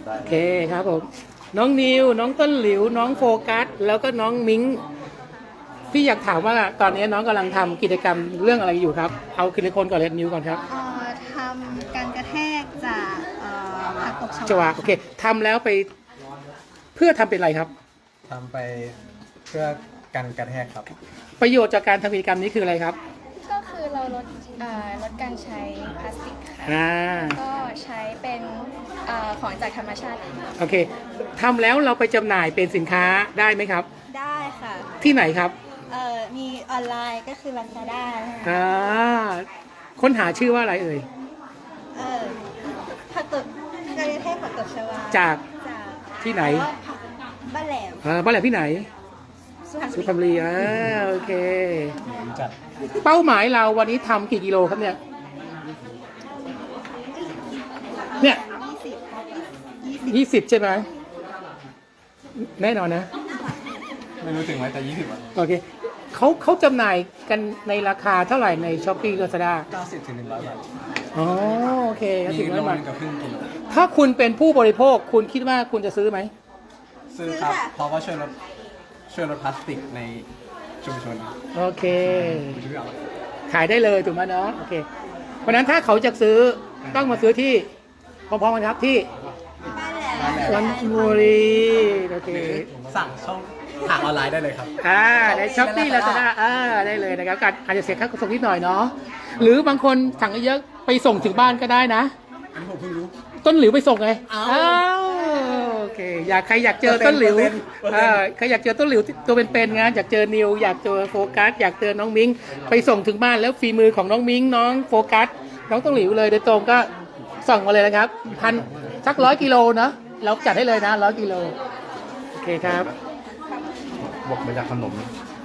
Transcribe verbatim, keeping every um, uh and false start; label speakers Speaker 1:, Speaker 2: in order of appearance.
Speaker 1: โอเคครับผมน้องนิวน้องต้นหลิวน้องโฟกัสแล้วก็น้องมิ้งพี่อยากถามว่าตอนนี้น้องกำลังทำกิจกรรมเรื่องอะไรอยู่ครับเอาคิดคนก่อนเลยนิวก่อนครับ
Speaker 2: เอ่อทำการกระแทกจากเอ่อผักตบช
Speaker 1: จวาว
Speaker 2: า
Speaker 1: โอเคทำแล้วไปเพื่อทำเป็นอะไรครับ
Speaker 3: ทำไปเพื่อกันกระแทกครับ
Speaker 1: ประโยชน์จากการทำกิจกรรมนี้คืออะไรครับ
Speaker 4: ก็คือเราลดเอ่อลดการใช้พลาสติกค่ะ
Speaker 1: อ่า
Speaker 4: ก็ใช้เป็นเอ่อของจากธรรมชาติ
Speaker 1: โอเคทำแล้วเราไปจำหน่ายเป็นสินค้าได้ไหมครับ
Speaker 2: ได้ค่ะ
Speaker 1: ที่ไหนครับ
Speaker 2: เอ่อมีออนไลน์ก็คือ Lazada นะคะ
Speaker 1: อ่าค้นหาชื่อว่าอะไรเอ่ย
Speaker 2: เอ่อผักตบการกระแทกผักตบชวา
Speaker 1: จาก
Speaker 2: จาก
Speaker 1: ที่ไหน
Speaker 2: บ้านแหลม
Speaker 1: อ่าบ้านแหลมที่ไหน
Speaker 2: สุพรรณ
Speaker 1: สุ
Speaker 2: บุ
Speaker 1: พรรณบุ
Speaker 2: รี
Speaker 1: รีอ่าโอเค
Speaker 3: จัด
Speaker 1: เป้าหมายเราวันนี้ทำกี่กิโลครับเนี่ย เนี่ย
Speaker 2: ยี่สิบยี่สิบ
Speaker 1: ยี่สิบใช่ไหมแน่นอนนะ
Speaker 3: ไม่รู้ถึงไหมแต่ยี่สิบอ่ะ
Speaker 1: โอเคเขาเขาจำหน่ายกันในราคาเท่าไหร่ในช้อปปี้ลาซาด้า
Speaker 3: เก้าสิบถึงหนึ่งร้อยบาท
Speaker 1: อ๋อโอเค
Speaker 3: มี
Speaker 1: ถึง
Speaker 3: โล
Speaker 1: แล้วมา
Speaker 3: นึงกับครึ่งกิโล
Speaker 1: ถ้าคุณเป็นผู้บริโภคคุณคิดว่าคุณจะซื้อไหม
Speaker 3: ซื้อครับ เพราะว่าช่วยลดช่วยลดพลาสติกในชุมชน
Speaker 1: โอเค
Speaker 3: ช่วยเอา
Speaker 1: ขายได้เลยถูกไหมเนาะโอเคเพราะฉะนั้นถ้าเขาจะซื้อต้องมาซื้อที่พร้อมๆกันครับที่
Speaker 2: บ้านแหลม
Speaker 3: บ้านแหลม
Speaker 1: วันบุรีโอเค
Speaker 3: หรือสั่งช่องทางออนไลน์ได้เลยครับ
Speaker 1: อ่าในช้อปปี้ลาซาด้าอ่าได้เลยนะครับการอาจจะเสียค่าขนส่งนิดหน่อยเนาะหรือบางคนสั่งเยอะๆไปส่งถึงบ้านก็ได้นะ
Speaker 3: อันนี้ผมเพิ่งรู้
Speaker 1: ต้นหลิวไปส่งไง
Speaker 3: อ้าว
Speaker 1: อ้าวโอเค อยากใครอยากเจอต้นหลิว
Speaker 3: เปอร์เซ็นต์เปอร์เซ็นต์
Speaker 1: อ่าใครอยากเจอต้นหลิวตัวเป็นๆงานอยากเจอนิว อยากเจอโฟกัส อยากเจอน้องมิ้ง ไปส่งถึงบ้านแล้วฝีมือของน้องมิ้ง น้องโฟกัส น้องต้นหลิวเลยโดยตรงก็ส่งมาเลยนะครับพันสักร้อยกิโลเนาะเราจัดให้เลยนะร้อยกิโล โอเคครับ
Speaker 3: บวกมาจากขนม